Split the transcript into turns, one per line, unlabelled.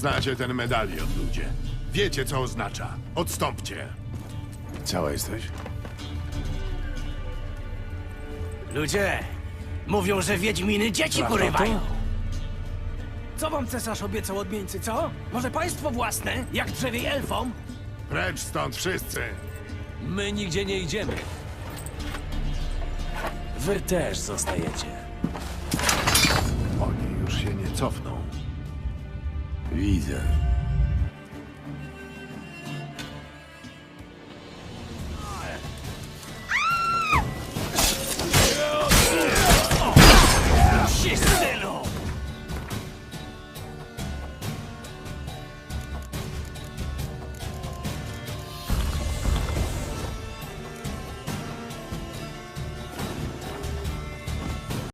Znacie ten medalion, ludzie. Wiecie, co oznacza. Odstąpcie.
Cała jesteś?
Ludzie, mówią, że wiedźminy dzieci porywają. Co wam cesarz obiecał odmieńcy, co? Może państwo własne, jak drzewiej elfom?
Precz stąd wszyscy.
My nigdzie nie idziemy. Wy też zostajecie.
Oni już się nie cofną.
Widzę.